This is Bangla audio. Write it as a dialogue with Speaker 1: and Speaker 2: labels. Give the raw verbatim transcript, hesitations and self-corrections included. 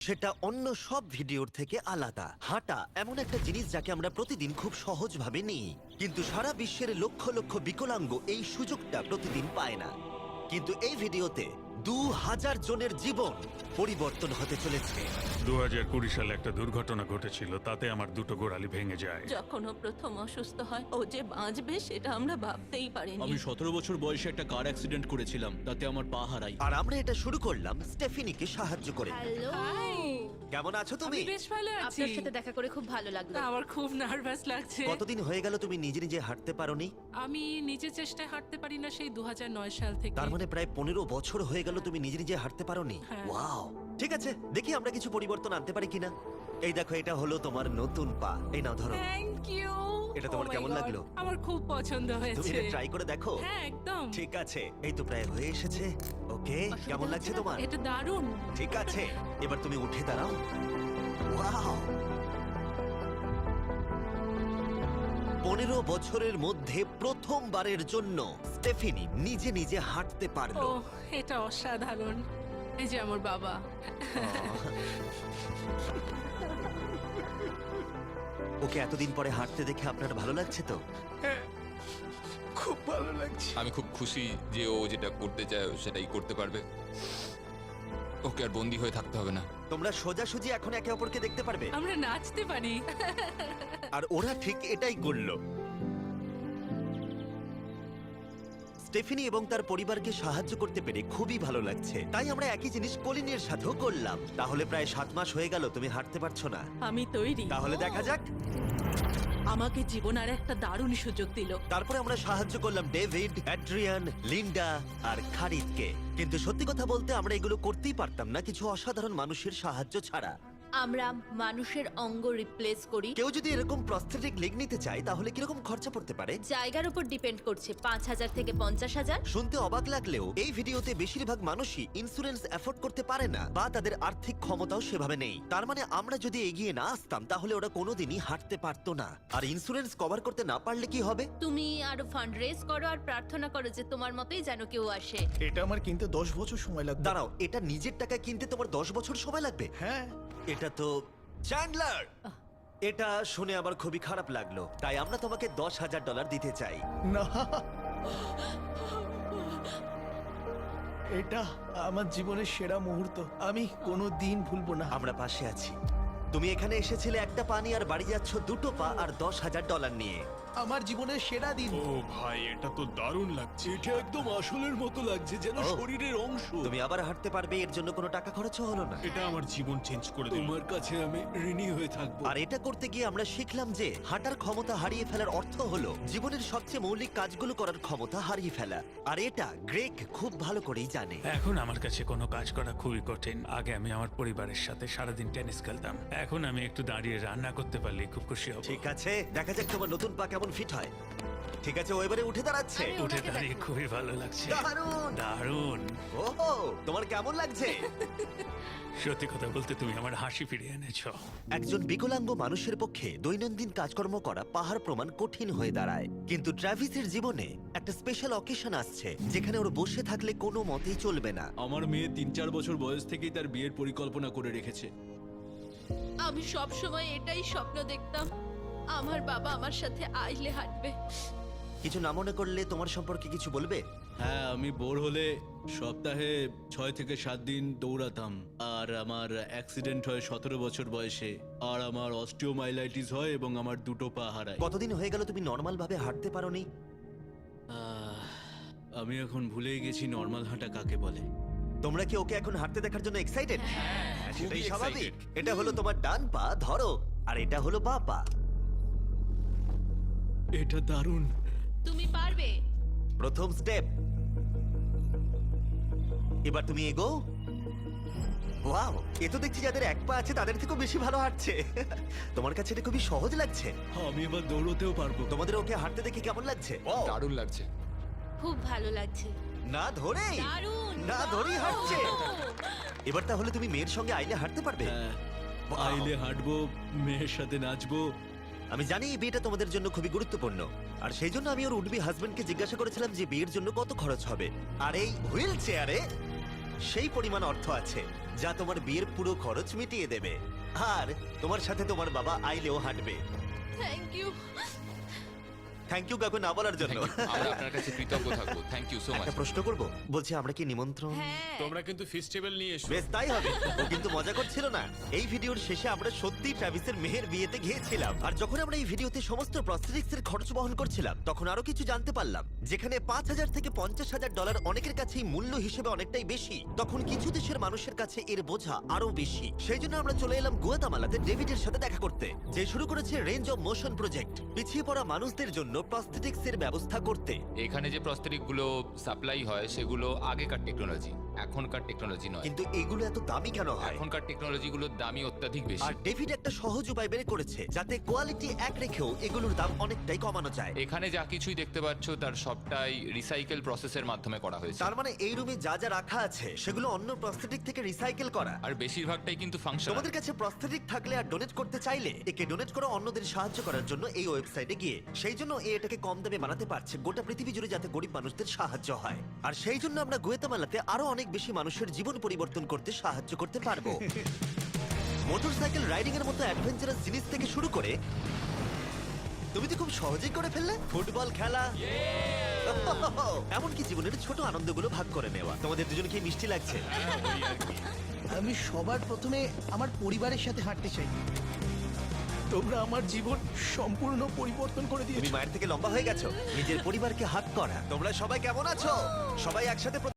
Speaker 1: সেটা অন্য সব ভিডিওর থেকে আলাদা। হাঁটা এমন একটা জিনিস যাকে আমরা প্রতিদিন খুব সহজভাবে নিই, কিন্তু সারা বিশ্বের লক্ষ লক্ষ বিকলাঙ্গ এই সুযোগটা প্রতিদিন পায় না। কিন্তু এই ভিডিওতে দু হাজার জনের জীবন পরিবর্তন হতে চলেছে।
Speaker 2: দু হাজার কুড়ি সালে একটা দুর্ঘটনা ঘটেছিল, তাতে আমার দুটো গোড়ালি ভেঙে যায়।
Speaker 3: যখন ও প্রথম অসুস্থ হয়, ও যে বাঁচবে সেটা আমরা ভাবতেই পারিনি।
Speaker 4: আমি সতেরো বছর বয়সে একটা কার অ্যাক্সিডেন্ট করেছিলাম, তাতে আমার পা হারাই।
Speaker 1: আর আমরা এটা শুরু করলাম স্টেফিনিকে সাহায্য করে।
Speaker 5: হ্যালো,
Speaker 1: কেমন আছো তুমি?
Speaker 6: আমি বেশ ভালো আছি।
Speaker 5: আপনার সাথে দেখা করে খুব ভালো লাগলো।
Speaker 6: আমার খুব নার্ভাস লাগছে।
Speaker 1: কতদিন হয়ে গেল তুমি নিজে নিজে হাঁটতে পারোনি?
Speaker 6: আমি নিজের চেষ্টায় হাঁটতে পারি না সেই দু হাজার নয় সাল থেকে।
Speaker 1: তার মানে প্রায় পনেরো বছর হয়ে গেল তুমি নিজে নিজে হাঁটতে পারোনি।
Speaker 6: হ্যাঁ।
Speaker 1: ওয়াও, ঠিক আছে, দেখি আমরা কিছু পরিবর্তন আনতে পারি কিনা। এই দেখো, এটা হলো তোমার নতুন পা। এই নাও, ধরো।
Speaker 6: Thank you.
Speaker 1: এটা তোমার কেমন লাগলো?
Speaker 6: আমার খুব পছন্দ
Speaker 1: তুমি
Speaker 6: হয়েছে।
Speaker 1: এটা ট্রাই করে দেখো।
Speaker 6: হ্যাঁ, একদম।
Speaker 1: ঠিক আছে, এই তো প্রায় হয়ে এসেছে। ওকে, কেমন লাগছে তোমার?
Speaker 6: এটা দারুণ।
Speaker 1: ঠিক আছে, এবার তুমি উঠে দাঁড়াও। ওয়াও, পনেরো বছরের মধ্যে প্রথমবারের জন্য স্টেফিনি নিজে নিজে হাঁটতে
Speaker 6: ও,
Speaker 1: পারলো।
Speaker 6: এটা অসাধারণ। এই যে আমার বাবা।
Speaker 1: ওকে এতদিন পরে হাঁটতে দেখে আপনার ভালো লাগছে তো?
Speaker 4: খুব ভালো লাগছে।
Speaker 7: আমি খুব খুশি যে ও যেটা করতে চায় ও সেটাই করতে পারবে। ওকে আর বন্দি হয়ে থাকতে হবে না।
Speaker 1: তোমরা সোজাসুজি এখন একে অপরকে দেখতে পারবে।
Speaker 6: আমরা নাচতে পারি।
Speaker 1: আর ওরা ঠিক এটাই করলো। স্টেফিনি এবং তার পরিবারকে সাহায্য করতে পেরে খুবই ভালো লাগছে। তাই আমরা একই জিনিস কলিনের সাথেও করলাম। তাহলে প্রায় সাত মাস হয়ে গেল তুমি হাঁটতে পারছো না।
Speaker 3: আমি তৈরি।
Speaker 1: তাহলে দেখা যাক।
Speaker 3: আমাকে জীবন আর একটা দারুণ সুযোগ দিল।
Speaker 1: তারপরে আমরা সাহায্য করলাম ডেভিড, অ্যাড্রিয়ান, লিন্ডা আর খারিদকে। কিন্তু সত্যি কথা বলতে আমরা এগুলো করতেই পারতাম না কিছু অসাধারণ মানুষের সাহায্য ছাড়া।
Speaker 5: আমরা মানুষের অঙ্গ রিপ্লেস করি।
Speaker 1: কেউ যদি এরকম প্রস্থেটিক লেগ নিতে চায় তাহলে কিরকম খরচা পড়তে পারে?
Speaker 5: জায়গার উপর ডিপেন্ড করছে, পাঁচ হাজার থেকে পঞ্চাশ হাজার।
Speaker 1: শুনতে অবাক লাগলেও এই ভিডিওতে বেশিরভাগ মানুষই ইন্স্যুরেন্স অ্যাফোর্ড করতে পারে না বা তাদের আর্থিক ক্ষমতাও সেভাবে নেই। তার মানে আমরা যদি এগিয়ে না আসতাম তাহলে ওরা কোনোদিনই হাঁটতে পারতো না। আর ইন্স্যুরেন্স কভার করতে না পারলে কি হবে?
Speaker 5: তুমি আরো ফান্ড রেজ করো আর প্রার্থনা করো যে তোমার মতোই যেন কেউ আসে।
Speaker 4: এটা আমার কিনতে দশ বছর সময় লাগবে।
Speaker 1: দাঁড়াও, এটা নিজের টাকায় কিনতে তোমার দশ বছর সময় লাগবে?
Speaker 4: হ্যাঁ।
Speaker 1: এটা তো চ্যান্ডলার, এটা শুনে আমার খুবই খারাপ লাগলো। তাই আমরা তোমাকে দশ হাজার ডলার দিতে চাই।
Speaker 4: না, এটা আমার জীবনের সেরা মুহূর্ত, আমি কোনো দিন ভুলবো না।
Speaker 1: আমরা পাশে আছি। তুমি এখানে এসেছিলে একটা পা নিয়ে আর বাড়ি যাচ্ছ দুটো পা আর দশ হাজার ডলার নিয়ে।
Speaker 4: আমার জীবনের সেরা দিন।
Speaker 2: ও ভাই, এটা তো দারুণ লাগছে।
Speaker 4: এটা একদম আসলের মতো লাগছে, যেন
Speaker 1: ও।
Speaker 4: শরীরের অংশ।
Speaker 1: তুমি আবার হাঁটতে পারবে, এর জন্য কোনো টাকা খরচও হলো না।
Speaker 2: এটা আমার জীবন চেঞ্জ করে দিল।
Speaker 4: তোমার কাছে আমি ঋণী হয়ে থাকবো।
Speaker 1: আর এটা করতে গিয়ে আমরা শিখলাম যে হাঁটার ক্ষমতা হারিয়ে ফেলার অর্থ হলো জীবনের সবচেয়ে মৌলিক কাজগুলো করার ক্ষমতা হারিয়ে ফেলা। আর এটা গ্রেগ খুব ভালো করেই জানে।
Speaker 2: এখন আমার কাছে কোনো কাজ করা খুবই কঠিন। আগে আমি আমার পরিবারের সাথে সারাদিন টেনিস খেলতাম, এখন আমি একটু দাঁড়িয়ে রান্না করতে পারলে খুব খুশি হব।
Speaker 1: ঠিক আছে, দেখা যাক তোমার নতুন পা কেমন ফিট হয়। ঠিক আছে, ও এবারে উঠে দাঁড়াচ্ছে।
Speaker 5: আরে,
Speaker 2: উঠে
Speaker 5: ওনাকে
Speaker 2: দাঁড়িয়ে
Speaker 5: দেখো।
Speaker 2: খুবই ভালো লাগছে।
Speaker 1: দারুণ।
Speaker 2: দারুণ।
Speaker 1: ওহো, তোমার কেমন লাগছে?
Speaker 2: সত্যি কথা বলতে তুমি আমার হাসি ফিরিয়ে এনেছো।
Speaker 1: একজন বিকলাঙ্গ মানুষের পক্ষে দৈনন্দিন কাজকর্ম করা পাহাড় প্রমাণ কঠিন হয়ে দাঁড়ায়। কিন্তু ট্রাভিসের জীবনে একটা স্পেশাল অকেশন আসছে যেখানে ওর বসে থাকলে কোনো মতেই চলবে না।
Speaker 4: আমার মেয়ে তিন চার বছর বয়স থেকেই তার বিয়ের পরিকল্পনা করে রেখেছে।
Speaker 5: আমি সব সময় এটাই স্বপ্ন দেখতাম, আমার বাবা আমার সাথে আইলে হাঁটবে।
Speaker 1: কিছু না মনে করলে তোমার সম্পর্কে কিছু বলবে?
Speaker 4: হ্যাঁ, আমি বোর হলে সপ্তাহে ছয় থেকে সাত দিন দৌড়াতাম। আর আমার অ্যাক্সিডেন্ট হয় সতেরো বছর বয়সে। আর আমার অস্টিওমাইলাইটিস হয় এবং আমার দুটো পা হারায়।
Speaker 1: কতদিন হয়ে গেল তুমি নর্মাল ভাবে হাঁটতে পারোনি?
Speaker 4: আহ, আমি এখন ভুলেই গেছি নর্মাল হাঁটা কাকে বলে।
Speaker 1: তোমরা কি ওকে এখন হাঁটতে দেখার জন্য এক্সাইটেড? সেটাই
Speaker 7: খুবই
Speaker 1: স্বাভাবিক।
Speaker 7: excited।
Speaker 1: এটা হলো তোমার ডান পা, ধরো, আর এটা হলো বাঁ পা।
Speaker 4: এটা দারুণ।
Speaker 5: তুমি পারবে।
Speaker 1: প্রথম স্টেপ। এবার তুমি এগো। ওয়াও, এ তো দেখছি যাদের এক পা আছে তাদের থেকেও বেশি ভালো হাঁটছে। তোমার কাছে এটা খুবই সহজ লাগছে।
Speaker 4: আমি এবার দৌড়তেও পারবো।
Speaker 1: তোমাদের ওকে হাঁটতে দেখে কেমন লাগছে? Wow,
Speaker 7: দারুণ লাগছে।
Speaker 5: খুব ভালো লাগছে।
Speaker 1: না ধরেই
Speaker 5: দারুণ।
Speaker 1: না ধরেই হাঁটছে। এবার তাহলে তুমি মেয়ের সঙ্গে আইলে হাঁটতে পারবে?
Speaker 4: হ্যাঁ,
Speaker 1: Wow.
Speaker 4: আইলে হাঁটবো, মেয়ের সাথে নাচবো।
Speaker 1: আমি জানি এই বিয়েটা তোমাদের জন্য খুবই গুরুত্বপূর্ণ, আর সেই জন্য আমি ওর উডবি হাজবেন্ডকে জিজ্ঞাসা করেছিলাম যে বিয়ের জন্য কত খরচ হবে। আর এই হুইল চেয়ারে সেই পরিমাণ অর্থ আছে যা তোমার বিয়ের পুরো খরচ মিটিয়ে দেবে। আর তোমার সাথে তোমার বাবা আইলেও হাঁটবে।
Speaker 5: Thank you.
Speaker 1: থ্যাংক ইউ কাকু না বলার জন্য।
Speaker 7: Thank you. আমরা আপনার কাছে কৃতজ্ঞ থাকবো, থ্যাংক ইউ সো মাচ।
Speaker 1: একটা প্রশ্ন করব, বলছি আমরা কি নিমন্ত্রণ?
Speaker 5: হ্যাঁ
Speaker 8: তোমরা কিন্তু ফেস্টিভ্যাল নিয়ে এসো।
Speaker 1: বেশ তাই হবে। ও কিন্তু মজা করছিল না। এই ভিডিওর শেষে আমরা সত্যি ট্রাভিসের মেহের বিয়েতে গিয়েছিলাম, আর যখন আমরা এই ভিডিওতে সমস্ত প্রস্থেটিক্স এর খরচ বহন করছিলাম তখন আরো কিছু জানতে পারলাম। যেখানে পাঁচ হাজার থেকে পঞ্চাশ হাজার ডলার অনেকের কাছেই মূল্য হিসেবে অনেকটাই বেশি, তখন কিছু দেশের মানুষের কাছে এর বোঝা আরো বেশি। সেই জন্য আমরা চলে এলাম গুয়াতামালাতে ডেভিডের সাথে দেখা করতে, যে শুরু করেছে রেঞ্জ অফ মোশন প্রজেক্ট, পিছিয়ে পড়া মানুষদের জন্য প্রস্থেটিক্স এর ব্যবস্থা করতে।
Speaker 7: এখানে যে প্রস্তরিক গুলো সাপ্লাই হয় সেগুলো আগেকার টেকনোলজি, এখনকার টেকনোলজি নয়।
Speaker 1: কিন্তু এগুলো এত দামি কেন হয়?
Speaker 7: এখনকার টেকনোলজি গুলোর দামই অত্যাধিক
Speaker 1: আর
Speaker 7: বেশি।
Speaker 1: ডেভিড একটা সহজ উপায় বের করেছে যাতে কোয়ালিটি এক রেখেও এগুলোর দাম অনেকটাই কমানো যায়।
Speaker 7: এখানে যা কিছুই দেখতে পাচ্ছ তার সবটাই রিসাইকেল প্রসেসের মাধ্যমে করা হয়েছে,
Speaker 1: তার মানে এই রুমে যা যা রাখা আছে সেগুলো অন্য প্রস্থেটিক থেকে রিসাইকেল করা।
Speaker 7: আর বেশিরভাগটাই কিন্তু ফাংশনাল।
Speaker 1: তোমাদের কাছে প্রস্থেটিক থাকলে আর ডোনেট করতে চাইলে একে ডোনেট করো অন্যদের সাহায্য করার জন্য এই ওয়েবসাইটে গিয়ে। সেই জন্য এ এটাকে কম দামে বানাতে পারছে গোটা পৃথিবী জুড়ে, যাতে গরিব মানুষদের সাহায্য হয়। আর সেই জন্য আমরা গুয়েতামালাতে আরো অনেক বেশি মানুষের জীবন পরিবর্তন করতে সাহায্য করতে পারবো। মোটরসাইকেল রাইডিং এর মতো অ্যাডভেঞ্চারাস জিনিস থেকে শুরু করে তুমি তো খুব সহজেই করে ফেললে ফুটবল খেলা, এমনকি জীবনের ছোট আনন্দগুলো ভাগ করে নেওয়া। তোমাদের দুজনকে মিষ্টি লাগছে?
Speaker 9: আমি সবার প্রথমে আমার পরিবারের সাথে হাঁটতে চাই। তোমরা আমার জীবন সম্পূর্ণ পরিবর্তন করে
Speaker 1: তুমি
Speaker 9: দিয়েছো।
Speaker 1: মায়ের থেকে লম্বা হয়ে গেছো। নিজের পরিবারকে হাত করা। তোমরা সবাই কেমন আছো? সবাই একসাথে